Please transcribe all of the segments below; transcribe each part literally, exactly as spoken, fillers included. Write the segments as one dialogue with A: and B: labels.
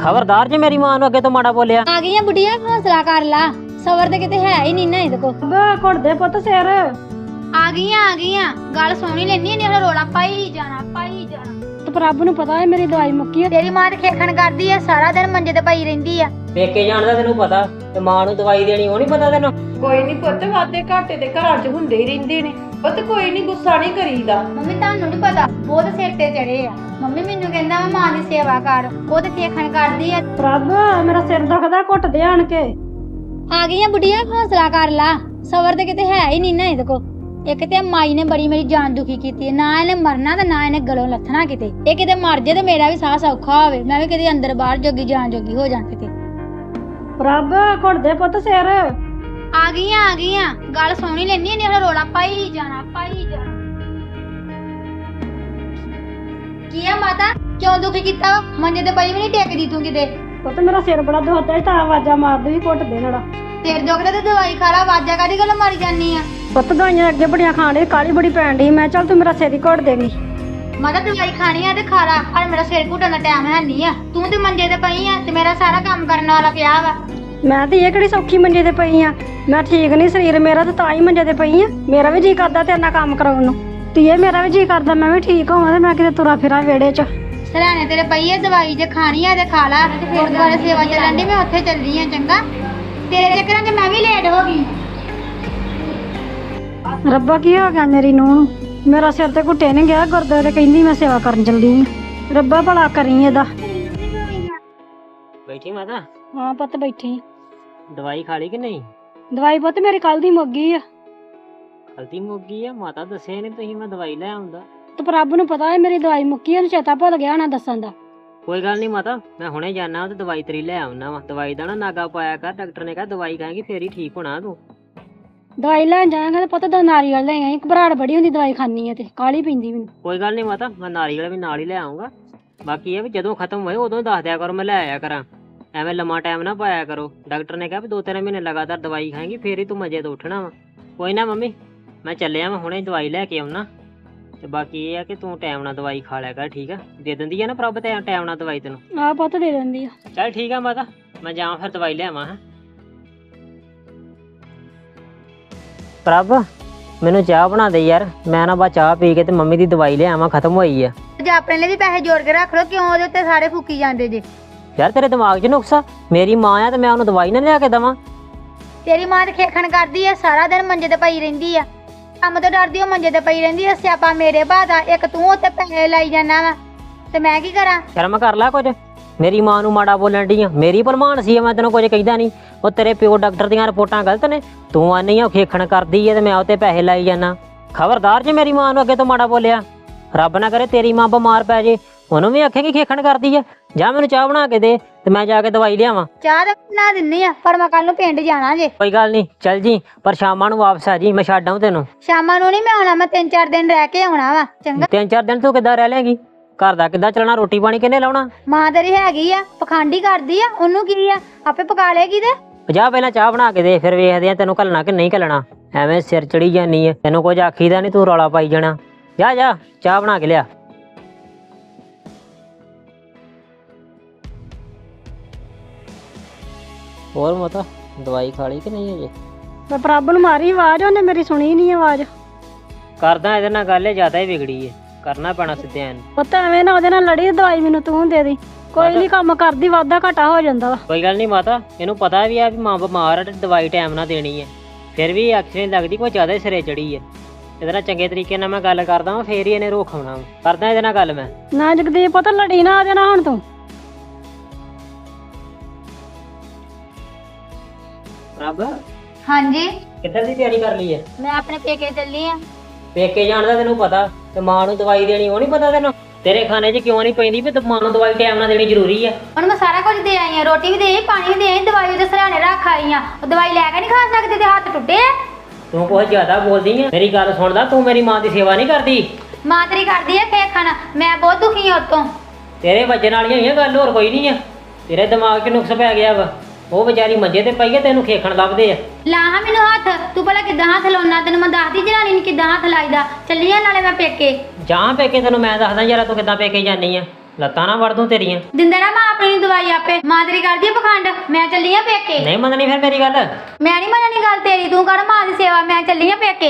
A: ਖਬਰਦਾਰ ਜੇ ਮੇਰੀ ਮਾਂ ਨੂੰ ਅੱਗੇ ਤੋਂ ਮਾੜਾ ਬੋਲਿਆ।
B: ਆ ਗਈਆਂ ਬੁੱਢੀਆਂ, ਹੌਸਲਾ ਕਰ ਲਾ। ਸਬਰ ਤੇ ਕਿਤੇ ਹੈ ਹੀ ਨਹੀਂ ਨਾ ਇਹਦੇ ਕੋ।
C: ਘੁੱਟਦੇ ਪੁੱਤ ਸਿਰ।
B: ਆ ਗਈਆਂ ਆ ਗਈਆਂ, ਗੱਲ ਸੁਣੀ ਲੈਣੀ ਨਹੀਂ, ਹੁਣ ਰੋਲਾ ਪਾਈ ਜਾਣਾ ਪਾਈ ਜਾਣਾ।
C: ਤੇ ਪ੍ਰਭ ਨੂੰ ਪਤਾ ਹੈ ਮੇਰੀ ਦਵਾਈ ਮੁੱਕੀ ਹੈ।
B: ਤੇਰੀ ਮਾਂ ਤੇ ਖੇਖਣ ਕਰਦੀ ਆ, ਸਾਰਾ ਦਿਨ ਮੰਜੇ ਤੇ ਪਈ ਰਹਿੰਦੀ ਆ।
A: ਪੇਕੇ ਜਾਣ ਦਾ ਤੈਨੂੰ ਪਤਾ, ਤੇ ਮਾਂ ਨੂੰ ਦਵਾਈ ਦੇਣੀ ਉਹ ਨਹੀਂ ਪਤਾ ਤੈਨੂੰ।
D: ਕੋਈ ਨਹੀਂ ਪੁੱਤ, ਵਾਦੇ ਘਾਟੇ ਤੇ ਘਰਾਂ 'ਚ ਹੁੰਦੇ ਹੀ ਰਹਿੰਦੇ ਨੇ। ਉਹ ਤੇ ਕੋਈ ਨਹੀਂ, ਗੁੱਸਾ ਨਹੀਂ ਕਰੀਦਾ।
B: ਮੰਮੀ ਤੁਹਾਨੂੰ ਨੀ ਪਤਾ, ਬਹੁਤ ਸਿਰ ਤੇ ਚੜੇ ਆ। ਮੰਮੀ ਮੈਨੂੰ ਕਹਿੰਦਾ ਵਾ ਮਾਂ ਦੀ ਸੇਵਾ ਕਰ, ਉਹ ਤੇ ਖੇਖਣ ਕਰਦੀ ਆ।
C: ਪ੍ਰਭ ਮੇਰਾ ਸਿਰ ਦੁਖਦਾ, ਘੁੱਟਦੇ ਆਣ ਕੇ।
B: ਆ ਗਈਆਂ ਬੁੱਢੀਆਂ, ਹੌਸਲਾ ਕਰ ਲਾ। ਸਬਰ ਤੇ ਕਿਤੇ ਹੈ ਹੀ ਨਹੀਂ ਨਾ ਇਹਦੇ ਕੋ। ਇੱਕ ਤੇ ਮਾਈ ਨੇ ਬੜੀ ਮੇਰੀ ਜਾਨ ਦੁਖੀ ਕੀਤੀ, ਨਾ ਇਹਨੇ ਮਰਨਾ ਤੇ ਨਾ ਇਹਨੇ ਗਲੋਂ ਲੱਥਣਾ ਕਿਤੇ। ਇਹ ਕਿਤੇ ਮਰ ਜੇ ਤੇ ਮੇਰਾ ਵੀ ਸਾਹ ਸੌਖਾ ਹੋਵੇ, ਮੈਂ ਵੀ ਕਿਤੇ ਅੰਦਰ ਬਾਹਰ ਜੋਗੀ ਜਾਨ ਜੋਗੀ ਹੋ ਜਾਂ ਕਿਤੇ।
C: ਪ੍ਰਭ ਘੁੱਟਦੇ ਪੁੱਤ ਸਿਰ।
B: ਆ ਗਈਆਂ ਆ ਗਈਆਂ, ਗੱਲ ਸੁਣੀ ਲੈਣੀ ਨਹੀਂ, ਹੁਣ ਰੋਲਾ ਪਾਈ ਜਾਣਾ ਪਾਈ ਜਾਣਾ। ਕੀ ਆ ਮਾਤਾ, ਕਿਉਂ ਦੁਖੀ ਕੀਤਾ? ਮੰਜੇ ਤੇ ਪਈ ਵੀ ਨਹੀਂ ਟੇਕਦੀ ਤੂੰ ਕਿਤੇ।
C: ਪੁੱਤ ਮੇਰਾ ਸਿਰ ਬੜਾ ਦੁਖਦਾ, ਤਾਂ ਆਵਾਜ਼ਾਂ ਮਾਰਦੇ ਵੀ ਘੁੱਟਦੇ ਨੜਾ।
B: ਸਿਰ ਦੁਖਦਾ ਤੇ ਦਵਾਈ ਖਾ ਲਾ, ਆਵਾਜ਼ਾਂ ਕਾਹਦੀ ਗੱਲ ਮਾਰੀ ਜਾਨੀ ਆ?
C: ਪੁੱਤ ਦਵਾਈਆਂ ਅੱਗੇ ਬੜੀਆਂ ਖਾਣ ਡਈ, ਕਾਲੀ ਬੜੀ ਪੈਣ ਡਈ। ਮੈਂ ਚੱਲ ਤੂੰ ਮੇਰਾ ਸਿਰ ਹੀ ਘੁੱਟ ਦੇਂਗੀ।
B: ਮਾਤਾ ਦਵਾਈ ਖਾਣੀ ਆ ਤੇ ਖਾ ਲਾ, ਪਰ ਮੇਰਾ ਸਿਰ ਘੁੱਟਣ ਦਾ ਟਾਈਮ ਹੈ ਨਹੀਂ ਆ। ਤੂੰ ਤੇ ਮੰਜੇ ਤੇ ਪਈ ਆ ਤੇ ਮੇਰਾ ਸਾਰਾ ਕੰਮ ਕਰਨ ਵਾਲਾ ਪਿਆ ਵਾ।
C: ਮੈਂ ਤੇ ਇਹ ਕਿਹੜੀ ਸੌਖੀ ਮੰਜੇ ਤੇ ਪਈ ਆ, ਮੈਂ ਠੀਕ ਨਹੀਂ ਸਰੀਰ ਮੇਰਾ, ਤੇ ਤਾਂ ਹੀ ਮੰਜੇ ਤੇ ਪਈ ਆ। ਮੇਰਾ ਵੀ ਜੀ ਕਰਦਾ ਤੇਰੇ ਨਾਲ ਕੰਮ ਕਰਾਉਣ ਨੂੰ, ਧੀਏ ਮੇਰਾ ਵੀ ਜੀ ਕਰਦਾ ਮੈਂ ਵੀ ਠੀਕ ਹੋਵਾਂ ਤੇ ਮੈਂ ਕਿਤੇ ਤੁਰਾ ਫਿਰਾਂ ਵਿਹੜੇ 'ਚ।
B: ਸਰਾਣੇ ਤੇਰੇ ਪਈ ਆ ਦਵਾਈ, ਜੇ ਖਾਣੀ ਆ ਤੇ ਖਾ ਲਾ। ਗੁਰਦੁਆਰੇ ਸੇਵਾ ਚੱਲਣ ਦੀ, ਮੈਂ ਉੱਥੇ ਚੱਲੀ ਆ। ਚੰਗਾ, ਤੇਰੇ ਚੱਕਰਾਂ 'ਚ ਮੈਂ ਵੀ ਲੇਟ ਹੋ ਗਈ।
C: ਰੱਬਾ ਕੀ ਹੋ ਗਿਆ ਮੇਰੀ ਨੂੰਹ ਨੂੰ? ਮੇਰਾ ਸਿਰ ਤੇ ਘੁੱਟੇ ਨਹੀਂ ਗਿਆ, ਗੁਰਦੁਆਰੇ ਕਹਿੰਦੀ ਮੈਂ ਸੇਵਾ ਕਰਨ ਚੱਲੀ ਆ। ਰੱਬਾ ਭਲਾ ਕਰੀ ਇਹਦਾ।
A: ਬੈਠੀ ਮਾਤਾ?
C: ਹਾਂ ਪੁੱਤ ਬੈਠੀ।
A: ਦਵਾਈ ਖਾ ਲਈ ਕਿ ਨਹੀਂ?
C: ਦਵਾਈ ਪੁੱਤ ਮੇਰੀ ਕੱਲ ਦੀ ਮੁੱਕ ਗਈ ਆ।
A: ਗਲਤੀ ਮੁੱਕ ਗਈ ਆ? ਮਾਤਾ ਦੱਸਿਆ ਨਹੀਂ ਤੁਸੀਂ, ਮੈਂ ਦਵਾਈ ਲੈ ਆਉਂਦਾ।
C: ਤੇ ਪ੍ਰਭ ਨੂੰ ਪਤਾ ਹੈ ਮੇਰੀ ਦਵਾਈ ਮੁੱਕੀ, ਉਹਨੂੰ ਚੇਤਾ ਭੁੱਲ ਗਿਆ ਨਾ ਦੱਸਣ ਦਾ।
A: ਕੋਈ ਗੱਲ ਨਹੀਂ ਮਾਤਾ, ਮੈਂ ਹੁਣੇ ਜਾਣਾ ਤੇ ਦਵਾਈ ਤੇਰੀ ਲੈ ਆਉਣਾ ਵਾ। ਦਵਾਈ ਦਾ ਨਾ ਨਾਗਾ ਪਾਇਆ ਕਰ, ਡਾਕਟਰ ਨੇ ਕਿਹਾ ਦਵਾਈ ਖਾਏਂਗੀ ਫੇਰ ਹੀ ਠੀਕ ਹੋਣਾ ਤੂੰ।
C: ਦਵਾਈ ਲੈਣ ਜਾਏਗਾ ਤੇ ਪੁੱਤ ਦੋ ਨਾਰੀਅਲ ਲੈ ਆਈ, ਘਬਰਾਹਟ ਬੜੀ ਹੁੰਦੀ ਦਵਾਈ ਖਾਣੀ ਆ ਤੇ ਕਾਹਲੀ ਪੈਂਦੀ ਮੈਨੂੰ।
A: ਕੋਈ ਗੱਲ ਨਹੀਂ ਮਾਤਾ, ਮੈਂ ਨਾਰੀਅਲ ਵੀ ਨਾਲ ਹੀ ਲੈ ਆਉਂਗਾ। ਬਾਕੀ ਇਹ ਵੀ ਜਦੋਂ ਖਤਮ ਹੋਏ ਉਦੋਂ ਦੱਸ ਦਿਆ ਕਰੋ, ਮੈਂ ਲੈ ਆਇਆ ਕਰਾਂ। ਐਵੇਂ ਲੰਮਾ ਟਾਈਮ ਨਾ ਪਾਇਆ ਕਰੋ। ਡਾਕਟਰ ਨੇ ਕਿਹਾ ਵੀ ਦੋ ਤਿੰਨ ਮਹੀਨੇ ਲਗਾਤਾਰ ਦਵਾਈ ਖਾਏਂਗੀ ਫੇਰ ਹੀ ਤੂੰ ਮਜੇ ਤੋਂ ਉੱਠਣਾ ਵਾ। ਕੋਈ ਨਾ ਮੰਮੀ, ਮੈਂ ਚੱਲਿਆ, ਮੈਂ ਹੁਣੇ ਦਵਾਈ ਲੈ ਕੇ ਆਉਣਾ। ਤੇ ਬਾਕੀ ਇਹ ਆ ਕਿ ਤੂੰ ਟਾਈਮ ਨਾਲ ਦਵਾਈ ਖਾ ਲਿਆ ਕਰ, ਠੀਕ ਆ? ਦੇ ਦਿੰਦੀ ਆ ਨਾ ਪ੍ਰਭ ਤੇ ਟਾਈਮ ਨਾਲ ਦਵਾਈ ਤੈਨੂੰ?
C: ਆਹ ਪੁੱਤ ਦੇ ਦਿੰਦੀ ਆ।
A: ਚੱਲ ਠੀਕ ਆ ਮਾਤਾ, ਮੈਂ ਜਾਵਾਂ ਫਿਰ ਦਵਾਈ ਲਿਆਵਾਂ। ਹਾਂ ਪ੍ਰਭ, ਮੈਨੂੰ ਚਾਹ ਬਣਾ ਦੇ ਯਾਰ, ਮੈਂ ਨਾ ਬਾ ਚਾਹ ਪੀ ਕੇ ਤੇ ਮੰਮੀ ਦੀ ਦਵਾਈ ਲਿਆਵਾਂ, ਖਤਮ ਹੋਈ ਆ।
B: ਜੇ ਆਪਣੇ ਲਈ ਵੀ ਪੈਸੇ ਜੋੜ ਕੇ ਰੱਖ ਲੋ, ਕਿਉਂ ਉਹਦੇ ਉੱਤੇ ਸਾਰੇ ਫੂਕੀ ਜਾਂਦੇ ਜੇ?
A: ਯਾਰ ਤੇਰੇ ਦਿਮਾਗ 'ਚ ਨੁਕਸਾ? ਮੇਰੀ ਮਾਂ ਆ ਤੇ ਮੈਂ ਉਹਨੂੰ ਦਵਾਈ ਨਾ ਲਿਆ ਕੇ ਦੇਵਾਂ?
B: ਤੇਰੀ ਮਾਂ ਤੇ ਖੇਖਣ ਕਰਦੀ ਆ, ਸਾਰਾ ਦਿਨ ਮੰਜੇ ਤੇ ਪਈ ਰਹਿੰਦੀ ਆ। ਕੰਮ ਤੋਂ ਡਰਦੀ ਉਹ ਮੰਜੇ ਤੇ ਪਈ ਰਹਿੰਦੀ ਆ। ਸਿਆਪਾ ਮੇਰੇ ਬਾਦਾ, ਇੱਕ ਤੂੰ ਉੱਤੇ ਪੈਸੇ ਲਾਈ ਜਾਣਾ ਵਾ ਤੇ ਮੈਂ ਕੀ ਕਰਾਂ?
A: ਸ਼ਰਮ ਕਰ ਲੈ ਕੁਝ। ਮੇਰੀ ਮਾਂ ਨੂੰ ਮਾੜਾ ਬੋਲਣ ਡਈ ਆ? ਮੇਰੀ ਭਲਮਾਨ ਸੀ, ਮੈਂ ਤੈਨੂੰ ਕੁਝ ਕਹਿੰਦਾ ਨਹੀਂ। ਉਹ ਤੇਰੇ ਪਿਓ ਡਾਕਟਰ ਦੀਆਂ ਰਿਪੋਰਟਾਂ ਗਲਤ ਨੇ, ਤੂੰ ਆਨੀ ਆ ਖੇਖਣ ਕਰਦੀ ਏ ਤੇ ਮੈਂ ਉੱਤੇ ਪੈਸੇ ਲਾਈ ਜਾਣਾ। ਖਬਰਦਾਰ ਜੇ ਮੇਰੀ ਮਾਂ ਨੂੰ ਅੱਗੇ ਤੋਂ ਮਾੜਾ ਬੋਲਿਆ। ਰੱਬ ਨਾ ਕਰੇ ਤੇਰੀ ਮਾਂ ਬਿਮਾਰ ਪੈ ਜੇ, ਉਹਨੂੰ ਵੀ ਆਖੇਗੀ ਖੇਖਣ ਕਰਦੀ ਆ। ਜਾਂ ਮੈਨੂੰ ਚਾਹ ਬਣਾ ਕੇ ਦੇ ਤੇ ਮੈਂ ਜਾ ਕੇ ਦਵਾਈ ਲਿਆਵਾਂ।
B: ਚਾਹ ਤਾਂ ਬਣਾ ਦਿੰਨੀ ਆ, ਪਰ ਮੈਂ ਕੱਲ ਨੂੰ ਪਿੰਡ ਜਾਣਾ ਜੇ।
A: ਕੋਈ ਗੱਲ ਨਹੀਂ, ਚੱਲ ਜੀ, ਪਰ ਸ਼ਾਮਾਂ ਨੂੰ ਵਾਪਸ ਆ ਜੀ, ਮੈਂ ਛੱਡ ਆਊਂ ਤੈਨੂੰ।
B: ਸ਼ਾਮਾਂ ਨੂੰ ਨਹੀਂ ਮੈਂ ਆਉਣਾ, ਮੈਂ ਤਿੰਨ ਚਾਰ ਦਿਨ ਰਹਿ ਕੇ ਆਉਣਾ ਵਾ। ਚੰਗਾ,
A: ਤਿੰਨ ਚਾਰ ਦਿਨ ਤੂੰ ਕਿੱਦਾਂ ਰਹਿ ਲੇਂਗੀ? ਘਰ ਦਾ ਕਿੱਦਾਂ ਚੱਲਣਾ? ਰੋਟੀ ਪਾਣੀ ਕਿਹਨੇ ਲਾਉਣਾ?
B: ਮਾਂ ਤੇਰੀ ਹੈਗੀ ਆ, ਪਖੰਡੀ ਕਰਦੀ ਆ, ਉਹਨੂੰ ਕੀ ਆ, ਆਪੇ ਪਕਾ ਲੇਗੀ ਤੇ।
A: ਜਾ ਪਹਿਲਾਂ ਚਾਹ ਬਣਾ ਕੇ ਦੇ, ਫਿਰ ਵੇਖਦੇ ਆ ਤੈਨੂੰ ਘੱਲਣਾ ਕਿ ਨਹੀਂ ਘੱਲਣਾ। ਐਵੇਂ ਸਿਰ ਚੜੀ ਜਾਨੀ ਏ, ਤੈਨੂੰ ਕੁਝ ਆਖੀਦਾ ਨਹੀਂ, ਤੂੰ ਰੌਲਾ ਪਾਈ ਜਾਣਾ। ਜਾ ਜਾ ਚਾਹ ਬਣਾ ਕੇ ਲਿਆ। ਹੋਰ ਮਾਤਾ ਦਵਾਈ ਖਾ ਲਈ ਕਿ ਨਹੀਂ ਅਜੇ?
C: ਮੈਂ ਪ੍ਰਭ ਨੂੰ ਮਾਰੀ ਆਵਾਜ਼, ਉਹਨੇ ਮੇਰੀ ਸੁਣੀ ਨਹੀਂ ਆਵਾਜ਼।
A: ਕਰਦਾ ਇਹਦੇ ਨਾਲ ਗੱਲ, ਜ਼ਿਆਦਾ ਹੀ ਵਿਗੜੀ ਏ, ਕਰਨਾ ਪੈਣਾ ਸਿੱਧਿਆਂ ਨੂੰ।
C: ਪੁੱਤ ਐਵੇਂ ਨਾ ਉਹਦੇ ਨਾਲ ਲੜੀ, ਦਵਾਈ ਮੈਨੂੰ ਤੂੰ ਦੇ ਦੀ। ਕੋਈ ਨਹੀਂ, ਕੰਮ ਕਰਦੀ ਵਾਧਾ ਘਾਟਾ ਹੋ ਜਾਂਦਾ ਵਾ।
A: ਕੋਈ ਗੱਲ ਨਹੀਂ ਮਾਤਾ, ਇਹਨੂੰ ਪਤਾ ਵੀ ਆ ਵੀ ਮਾਂ ਬਿਮਾਰ ਆ ਤੇ ਦਵਾਈ ਟਾਈਮ ਨਾਲ ਦੇਣੀ ਹੈ। ਫਿਰ ਵੀ ਐਕਸੀਡੈਂਟ ਲੱਗਦੀ, ਕੋਈ ਜ਼ਿਆਦਾ ਹੀ ਸਿਰੇ ਚੜੀ ਹੈ। ਇਹਦੇ ਨਾਲ ਚੰਗੇ ਤਰੀਕੇ ਨਾਲ ਮੈਂ ਗੱਲ ਕਰਦਾ ਵਾਂ, ਫੇਰ ਹੀ ਇਹਨੇ ਰੋਕ ਆਉਣਾ ਵਾ। ਕਰਦਾ ਇਹਦੇ ਨਾਲ ਗੱਲ ਮੈਂ।
C: ਨਾ ਜਗਦੀਪ ਪੁੱਤ ਲੜੀ ਨਾ ਉਹਦੇ ਨਾਲ ਹੁਣ ਤੂੰ।
A: ਰੱਬ
B: ਹਾਂਜੀ,
A: ਕਿੱਧਰ ਦੀ ਤਿਆਰੀ ਕਰ ਲਈ ਹੈ?
B: ਮੈਂ ਆਪਣੇ ਪੇਕੇ ਚੱਲੀ ਆ।
A: ਪੇਕੇ ਜਾਣ ਦਾ ਤੈਨੂੰ ਪਤਾ, ਤੇ ਮਾਂ ਨੂੰ ਦਵਾਈ ਦੇਣੀ ਉਹ ਨਹੀਂ ਪਤਾ ਤੈਨੂੰ? ਤੇਰੇ ਖਾਣੇ 'ਚ ਕਿਉਂ ਨਹੀਂ ਪੈਂਦੀ ਵੀ ਮਾਂ ਨੂੰ ਦਵਾਈ ਟਾਈਮ ਨਾਲ ਦੇਣੀ ਜ਼ਰੂਰੀ ਆ?
B: ਹੁਣ ਮੈਂ ਸਾਰਾ ਕੁਝ ਦੇ ਆਈ ਆ, ਰੋਟੀ ਵੀ ਦੇ ਆਈ, ਪਾਣੀ ਵੀ ਦੇ ਆਈ, ਦਵਾਈ ਉਹਦੇ ਸਰਾਣੇ ਰੱਖ ਆਈ ਆ। ਉਹ ਦਵਾਈ ਲੈ ਕੇ ਨਹੀਂ ਖਾ ਸਕਦੇ ਤੇ ਹੱਥ ਟੁੱਟੇ ਆ।
A: ਤੂੰ ਕੁਝ ਜ਼ਿਆਦਾ ਬੋਲਦੀ ਆ। ਮੇਰੀ ਗੱਲ ਸੁਣਦਾ, ਤੂੰ ਮੇਰੀ ਮਾਂ ਦੀ ਸੇਵਾ ਨਹੀਂ ਕਰਦੀ।
B: ਮਾਂ ਤੇਰੀ ਕਰਦੀ ਆ ਖੇਖਣ, ਮੈਂ ਬਹੁਤ ਦੁਖੀ ਆ ਉਤੋਂ।
A: ਤੇਰੇ ਵੱਜਣ ਵਾਲੀਆਂ ਹੋਈਆਂ ਗੱਲ, ਹੋਰ ਕੋਈ ਨਹੀਂ ਆ। ਤੇਰੇ ਦਿਮਾਗ 'ਚ ਨੁਕਸ ਪੈ ਗਿਆ ਵਾ। ਉਹ ਵਿਚਾਰੀ ਮੰਜੇ ਤੇ ਪਈ ਆ, ਤੈਨੂੰ ਖੇਖਣ ਲੱਭਦੇ ਆ।
B: ਲਾ ਹਾਂ ਮੈਨੂੰ ਹੱਥ, ਤੂੰ ਭਲਾ ਕਿੱਦਾਂ ਹੱਥ ਲਾਉਣਾ? ਤੈਨੂੰ ਮੈਂ ਦੱਸਦੀ ਜਨਾਨੀ ਨੂੰ ਕਿੱਦਾਂ ਹੱਥ ਲਾਈਦਾ। ਚੱਲੀ ਆ ਨਾਲੇ ਮੈਂ ਪੇਕੇ।
A: ਜਾਂ ਪੇਕੇ ਤੈਨੂੰ ਮੈਂ ਦੱਸਦਾ ਯਾਰ, ਤੂੰ ਕਿੱਦਾਂ ਪੇਕੇ ਜਾਨੀ ਆ। ਲੱਤਾਂ ਨਾ ਵੜ ਦੂੰ ਤੇਰੀਆਂ।
B: ਦਿੰਦਾ ਨਾ ਮਾਂ ਆਪਣੀ ਨੂੰ ਦਵਾਈ ਆਪੇ। ਮਾਂ ਤੇਰੀ ਕਰਦੀ ਆ ਪਖੰਡ, ਮੈਂ ਚੱਲੀ ਆ ਪੇਕੇ।
A: ਨਹੀਂ ਮੰਨਣੀ ਫਿਰ ਮੇਰੀ ਗੱਲ।
B: ਮੈਂ ਨਹੀਂ ਮੰਨਣੀ ਗੱਲ ਤੇਰੀ, ਤੂੰ ਕਰ ਮਾਂ ਦੀ ਸੇਵਾ, ਮੈਂ ਚੱਲੀ ਆ ਪੇਕੇ।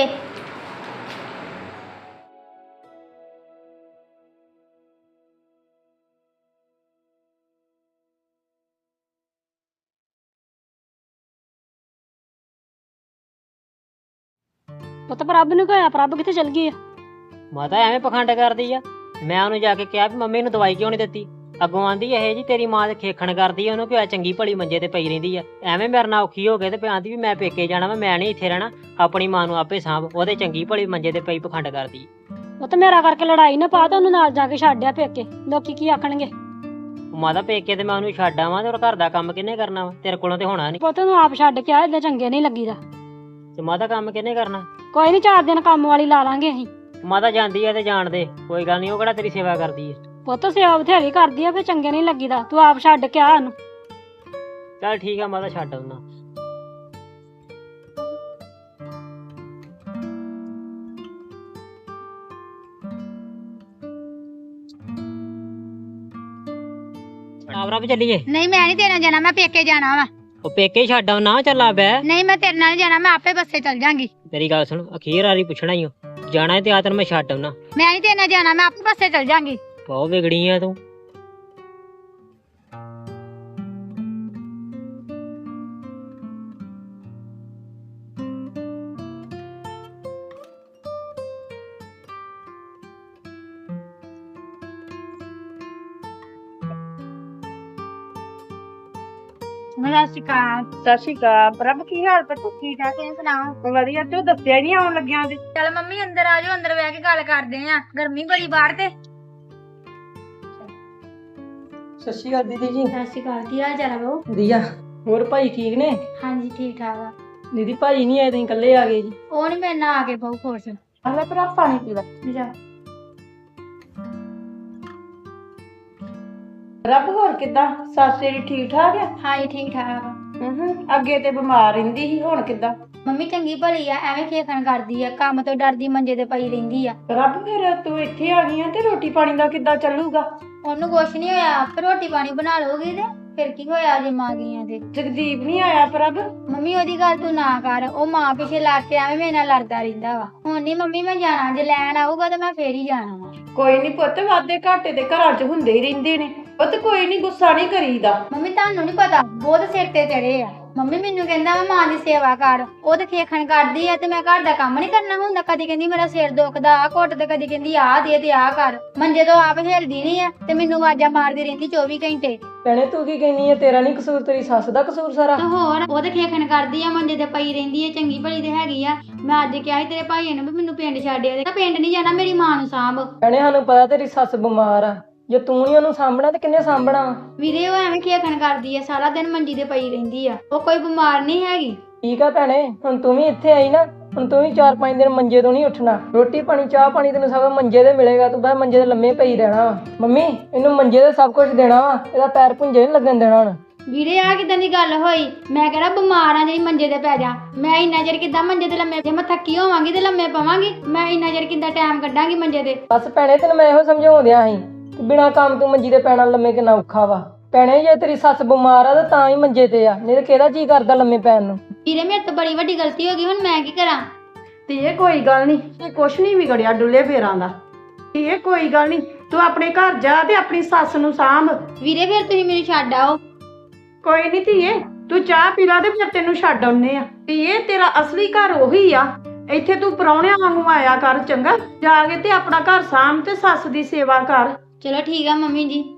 C: ਪੁੱਤ ਪ੍ਰਭ ਨੂੰ ਕਿਹਾ, ਪ੍ਰਭ ਕਿੱਥੇ ਚਲ ਗਈ ਆ?
A: ਮਾਤਾ ਐਵੇਂ ਪਖੰਡ ਕਰਦੀ ਆ। ਮੈਂ ਉਹਨੂੰ ਜਾ ਕੇ ਕਿਹਾ ਵੀ ਮੰਮੀ ਨੂੰ ਦਵਾਈ ਕਿਉਂ ਨਹੀਂ ਦਿੱਤੀ। ਅੱਗੋਂ ਆਂਦੀ ਇਹ ਜੀ ਤੇਰੀ ਮਾਂ ਤੇ ਖੇਖਣ ਕਰਦੀ ਆ, ਉਹਨੂੰ ਕਿਹਾ ਚੰਗੀ ਭਲੀ ਮੰਜੇ ਤੇ ਪਈ ਰਹਿੰਦੀ ਆ। ਐਵੇਂ ਮੇਰੇ ਨਾਲ ਔਖੀ ਹੋ ਗਏ ਤੇ ਆਂਦੀ ਵੀ ਮੈਂ ਪੇਕੇ ਜਾਣਾ ਵਾ, ਮੈਂ ਨਹੀਂ ਇੱਥੇ ਰਹਿਣਾ, ਆਪਣੀ ਮਾਂ ਨੂੰ ਆਪੇ ਸਾਂਭ। ਉਹਦੇ ਚੰਗੀ ਭਲੀ ਮੰਜੇ ਤੇ ਪਈ ਪਖੰਡ ਕਰਦੀ।
C: ਪੁੱਤ ਮੇਰਾ ਕਰਕੇ ਲੜਾਈ ਨਾ ਪਾ ਤੇ ਉਹਨੂੰ ਨਾਲ ਜਾ ਕੇ ਛੱਡਿਆ ਪੇਕੇ, ਲੋਕੀ ਕੀ ਆਖਣਗੇ?
A: ਮਾਤਾ ਪੇਕੇ ਤੇ ਮੈਂ ਉਹਨੂੰ ਛੱਡ ਆਵਾਂ ਤੇ ਘਰ ਦਾ ਕੰਮ ਕਿਹਨੇ ਕਰਨਾ ਵਾ? ਤੇਰੇ ਕੋਲੋਂ ਤੇ ਹੋਣਾ ਨਹੀਂ।
C: ਪੁੱਤ ਨੂੰ ਆਪ ਛੱਡ ਕੇ ਆ, ਏਦਾਂ ਚੰਗੇ ਨਹੀਂ ਲੱਗੀਦਾ।
A: ਤੇ ਮਾਤਾ ਕੰਮ ਕਿਹਨੇ ਕਰਨਾ?
C: ਕੋਈ ਨਹੀਂ, ਚਾਰ ਦਿਨ ਕੰਮ ਵਾਲੀ ਲਾ ਲਾਂਗੇ ਅਸੀਂ।
A: ਮਾਤਾ ਜਾਂਦੀ ਆ ਤੇ ਜਾਣ ਦੇ, ਕੋਈ ਗੱਲ ਨਹੀਂ, ਉਹ ਕਿਹੜਾ ਤੇਰੀ ਸੇਵਾ ਕਰਦੀ ਆ।
C: ਪੁੱਤ ਸੇਵਾ ਬਥੇਰੀ ਕਰਦੀ ਆ, ਫੇ ਚੰਗੇ ਨਹੀਂ ਲੱਗੀਦਾ। ਤੂੰ ਆਪ ਛੱਡ ਕੇ ਆ ਉਹਨੂੰ।
A: ਚੱਲ ਠੀਕ ਆ ਮਾਤਾ, ਛੱਡ ਆਉਣਾ। ਆਵਰਾ ਵੀ ਚੱਲੀਏ।
B: ਨਹੀਂ ਮੈਂ ਨਹੀਂ ਤੇਰੇ ਨਾਲ ਜਾਣਾ, ਮੈਂ ਪੇਕੇ ਜਾਣਾ ਵਾ।
A: ਉਹ ਪੇਕੇ ਹੀ ਛੱਡ ਆਉਣਾ, ਚੱਲਾ ਬੈ।
B: ਨਹੀਂ ਮੈਂ ਤੇਰੇ ਨਾਲ ਨੀ ਜਾਣਾ, ਮੈਂ ਆਪੇ ਬੱਸੇ ਚੱਲ ਜਾਾਂਗੀ।
A: ਤੇਰੀ ਗੱਲ ਸੁਣ, ਅਖੀਰ ਵਾਰੀ ਪੁੱਛਣਾ ਹੀ ਜਾਣਾ ਹੈ ਤੇ ਆ ਤੈਨੂੰ ਮੈਂ ਛੱਡ ਆਉਣਾ।
B: ਮੈਂ ਨਹੀਂ ਤੇਰੇ ਨਾਲ ਜਾਣਾ, ਮੈਂ ਆਪੇ ਬੱਸੇ ਚੱਲ ਜਾਾਂਗੀ।
A: ਬਹੁਤ ਵਿਗੜੀ ਆ ਤੂੰ।
B: ਸਤਿ ਸ਼੍ਰੀ ਅਕਾਲ।
D: ਸਤਿ ਸ਼੍ਰੀ ਅਕਾਲ। ਪ੍ਰਭ ਕੀ ਹਾਲ ਪੁੱਤ?
B: ਠੀਕ ਠਾਕ, ਤੁਸੀਂ ਸੁਣਾਓ?
D: ਵਧੀਆ। ਤੂੰ ਦੱਸਿਆ ਨਹੀਂ ਆਉਣ ਲੱਗਿਆ ਤੇ।
B: ਚੱਲ ਮੰਮੀ ਅੰਦਰ ਆ ਜਾਓ, ਅੰਦਰ ਬਹਿ ਕੇ ਗੱਲ ਕਰਦੇ ਆ। ਗਰਮੀ ਬੜੀ ਬਾਹਰ ਤੇ।
E: ਸਤਿ ਸ਼੍ਰੀ ਅਕਾਲ ਦੀਦੀ ਜੀ।
B: ਸਤਿ ਸ਼੍ਰੀ ਅਕਾਲ, ਕੀ ਹਾਲ ਚਾਲ ਆ ਬਾਊ?
E: ਵਧੀਆ। ਹੋਰ ਭਾਈ ਠੀਕ ਨੇ?
B: ਹਾਂਜੀ ਠੀਕ ਠਾਕ ਆ।
E: ਦੀਦੀ ਭਾਈ ਨਹੀਂ ਆਏ, ਤੁਸੀਂ ਇਕੱਲੇ ਆ ਗਏ ਜੀ।
B: ਉਹ ਨਹੀਂ ਮੇਰੇ ਨਾਲ ਆ ਕੇ ਬਾਊ ਖੁਸ਼।
D: ਅਗਲਾ ਪ੍ਰਭ ਪਾਣੀ ਪੀ ਲੈ।
B: ਜਾ
D: ਰੱਬ ਹੋਰ ਕਿੱਦਾਂ? ਸੱਸ ਤੇਰੀ ਠੀਕ ਠਾਕ ਆ?
B: ਹਾਂਜੀ ਠੀਕ ਠਾਕ ਆ।
D: ਹੂੰ। ਅੱਗੇ ਤੇ ਬਿਮਾਰ ਰਹਿੰਦੀ ਸੀ, ਹੁਣ ਕਿੱਦਾਂ?
B: ਮੰਮੀ ਚੰਗੀ ਭਲੀ ਆ, ਐਵੇਂ ਖੇਖਣ ਕਰਦੀ ਆ, ਕੰਮ ਤੋਂ ਡਰਦੀ ਮੰਜੇ ਤੇ ਪਈ ਰਹਿੰਦੀ ਆ।
D: ਰੱਬ ਫਿਰ ਤੂੰ ਇੱਥੇ ਆ ਗਈ ਆ ਤੇ ਰੋਟੀ ਪਾਣੀ ਦਾ ਕਿੱਦਾਂ ਚੱਲੂਗਾ?
B: ਉਹਨੂੰ ਕੁਛ ਨਹੀਂ ਹੋਇਆ, ਆਪੇ ਰੋਟੀ ਪਾਣੀ ਬਣਾ ਲਓਗੀ ਤੇ ਫਿਰ ਕੀ ਹੋਇਆ ਜੇ ਮਾਂ ਗਈਆਂ ਤੇ।
D: ਜਗਦੀਪ ਨਹੀਂ ਆਇਆ ਪ੍ਰਭ?
B: ਮੰਮੀ ਉਹਦੀ ਗੱਲ ਤੂੰ ਨਾ ਕਰ, ਉਹ ਮਾਂ ਪਿੱਛੇ ਲੱਗ ਕੇ ਐਵੇਂ ਮੇਰੇ ਨਾਲ ਲੜਦਾ ਰਹਿੰਦਾ ਵਾ। ਹੁਣ ਨਹੀਂ ਮੰਮੀ ਮੈਂ ਜਾਣਾ, ਜੇ ਲੈਣ ਆਊਗਾ ਤਾਂ ਮੈਂ ਫੇਰ ਹੀ ਜਾਣਾ ਵਾ।
D: ਕੋਈ ਨਹੀਂ ਪੁੱਤ, ਵਾਧੇ ਘਾਟੇ ਤੇ ਘਰਾਂ 'ਚ ਹੁੰਦੇ ਹੀ ਰਹਿੰਦੇ ਨੇ। ਪੁੱਤ ਕੋਈ ਨਹੀਂ, ਗੁੱਸਾ ਨਹੀਂ ਕਰੀਦਾ।
B: ਮੰਮੀ ਤੁਹਾਨੂੰ ਨਹੀਂ ਪਤਾ, ਬਹੁਤ ਸਿਰ ਤੇ ਚੜੇ ਆ। ਮੰਮੀ ਮੈਨੂੰ ਕਹਿੰਦਾ ਵਾ ਮਾਂ ਦੀ ਸੇਵਾ ਕਰ, ਉਹ ਤੇ ਖੇਖਣ ਕਰਦੀ ਆ ਤੇ ਮੈਂ ਘਰ ਦਾ ਕੰਮ ਨਹੀਂ ਕਰਨਾ ਹੁੰਦਾ। ਕਦੀ ਕਹਿੰਦੀ ਮੇਰਾ ਸਿਰ ਦੁਖਦਾ ਆ ਘੁੱਟ, ਤੇ ਕਦੀ ਕਹਿੰਦੀ ਆਹ ਦੇ ਤੇ ਆਹ ਕਰ। ਮੰਜੇ ਤੋਂ ਆਪ ਹਿਲਦੀ ਨਹੀਂ ਆ ਤੇ ਮੈਨੂੰ ਆਵਾਜ਼ਾਂ ਮਾਰਦੀ ਰਹਿੰਦੀ ਚੌਵੀ ਘੰਟੇ।
E: ਭੈਣੇ ਤੂੰ ਕੀ ਕਹਿੰਦੀ ਹੈ? ਤੇਰਾ ਨਹੀਂ ਕਸੂਰ, ਤੇਰੀ ਸੱਸ ਦਾ ਕਸੂਰ ਸਾਰਾ।
B: ਤੇ ਹੋਰ ਉਹ ਤੇ ਖੇਖਣ ਕਰਦੀ ਆ, ਮੰਜੇ ਤੇ ਪਈ ਰਹਿੰਦੀ ਆ, ਚੰਗੀ ਭਲੀ ਤੇ ਹੈਗੀ ਆ। ਮੈਂ ਅੱਜ ਕਿਹਾ ਸੀ ਤੇਰੇ ਭਾਈ ਨੂੰ ਵੀ ਮੈਨੂੰ ਪਿੰਡ ਛੱਡਿਆ ਦੇ, ਪਿੰਡ ਨਹੀਂ ਜਾਣਾ, ਮੇਰੀ ਮਾਂ ਨੂੰ ਸਾਂਭ।
E: ਭੈਣੇ ਸਾਨੂੰ ਪਤਾ ਤੇਰੀ ਸੱਸ ਬਿਮਾਰ ਆ, ਜੇ ਤੂੰ ਨਹੀਂ ਉਹਨੂੰ ਸਾਂਭਣਾ ਤੇ ਕਿੰਨੇ ਸਾਂਭਣਾ ਵਾ?
B: ਵੀਰੇ ਉਹ ਐਵੇਂ ਖੇਖਣ ਕਰਦੀ ਆ, ਸਾਰਾ ਦਿਨ ਮੰਜੀ ਤੇ ਪਈ ਰਹਿੰਦੀ ਆ, ਉਹ ਕੋਈ ਬਿਮਾਰ ਨਹੀਂ ਹੈਗੀ।
E: ਠੀਕ ਆ ਭੈਣੇ, ਹੁਣ ਤੂੰ ਵੀ ਇੱਥੇ ਆਈ ਨਾ, ਹੁਣ ਤੂੰ ਵੀ ਚਾਰ ਪੰਜ ਦਿਨ ਮੰਜੇ ਤੋਂ ਨਹੀਂ ਉੱਠਣਾ। ਰੋਟੀ ਪਾਣੀ ਚਾਹ ਪਾਣੀ ਤੈਨੂੰ ਸਭ ਮੰਜੇ ਤੇ ਮਿਲੇਗਾ, ਤੂੰ ਬਸ ਮੰਜੇ ਤੇ ਲੰਮੇ ਪਈ ਰਹਿਣਾ ਵਾ। ਮੰਮੀ ਇਹਨੂੰ ਮੰਜੇ ਤੇ ਸਭ ਕੁਝ ਦੇਣਾ ਵਾ, ਇਹਦਾ ਪੈਰ ਪੁੰਜੇ ਨਹੀਂ ਲੱਗਣ ਦੇਣਾ ਹੁਣ।
B: ਵੀਰੇ ਆ ਕਿਦਾਂ ਦੀ ਗੱਲ ਹੋਈ? ਮੈਂ ਕਿਹੜਾ ਬਿਮਾਰ ਆ ਜਿਹੜੀ ਮੰਜੇ ਤੇ ਪੈ ਜਾ? ਮੈਂ ਇੰਨਾ ਚਿਰ ਕਿੱਦਾਂ ਮੰਜੇ ਤੇ ਲੰਮੇ, ਜੇ ਮੈਂ ਥੱਕੀ ਹੋਵਾਂਗੀ ਤੇ ਲੰਮੇ ਪਵਾਂਗੀ? ਮੈਂ ਇੰਨਾ ਚਿਰ ਕਿੱਦਾਂ ਟਾਈਮ ਕੱਢਾਂਗੀ ਮੰਜੇ ਤੇ?
E: ਬਸ ਭੈਣੇ ਤੈਨੂੰ ਮੈਂ ਇਹੋ ਸਮਝਾਉਂਦਿਆ ਸੀ ਕਿ ਬਿਨਾਂ ਕੰਮ ਤੋਂ ਮੰਜੀ ਤੇ ਪੈਣਾ ਲੰਮੇ ਕਿੰਨਾ ਔਖਾ ਵਾ। ਭੈਣੇ ਜੇ ਤੇਰੀ ਸੱਸ ਬਿਮਾਰ ਆ ਤਾਂ ਤਾਂ ਹੀ ਮੰਜੇ ਤੇ ਆ, ਨਹੀਂ ਤੇ ਕਿਹਦਾ ਜੀ ਕਰਦਾ ਲੰਮੇ ਪੈਣ ਨੂੰ।
B: ਵੀਰੇ ਮੇਰੇ ਤੋਂ ਬੜੀ ਵੱਡੀ ਗਲਤੀ ਹੋ ਗਈ, ਹੁਣ ਮੈਂ ਕੀ ਕਰਾਂ?
D: ਤੇ ਇਹ ਕੋਈ ਗੱਲ ਨਹੀਂ, ਇਹ ਕੁਛ ਨਹੀਂ ਵਿਗੜਿਆ ਡੁੱਲੇ ਫੇਰਾਂ ਦਾ। ਇਹ ਕੋਈ ਗੱਲ ਨਹੀਂ, ਤੂੰ ਆਪਣੇ ਘਰ ਜਾ ਤੇ ਆਪਣੀ ਸੱਸ ਨੂੰ ਸਾਂਭ।
B: ਵੀਰੇ ਫਿਰ ਤੁਸੀਂ ਮੈਨੂੰ ਛੱਡ ਆਓ।
D: ਕੋਈ ਨਹੀਂ ਧੀਏ, ਤੂੰ ਚਾਹ ਪੀ ਲਾ ਤੇ ਫਿਰ ਤੈਨੂੰ ਛੱਡ ਆਉਨੇ ਆ। ਧੀਏ ਤੇਰਾ ਅਸਲੀ ਘਰ ਉਹੀ ਆ, ਇੱਥੇ ਤੂੰ ਪਰਾਉਣਿਆਂ ਵਾਂਗੂ ਆਇਆ ਕਰ, ਚੰਗਾ? ਜਾ ਕੇ ਤੇ ਆਪਣਾ ਘਰ ਸਾਂਭ ਤੇ ਸੱਸ ਦੀ ਸੇਵਾ ਕਰ।
B: ਚਲੋ ਠੀਕ ਆ ਮੰਮੀ ਜੀ।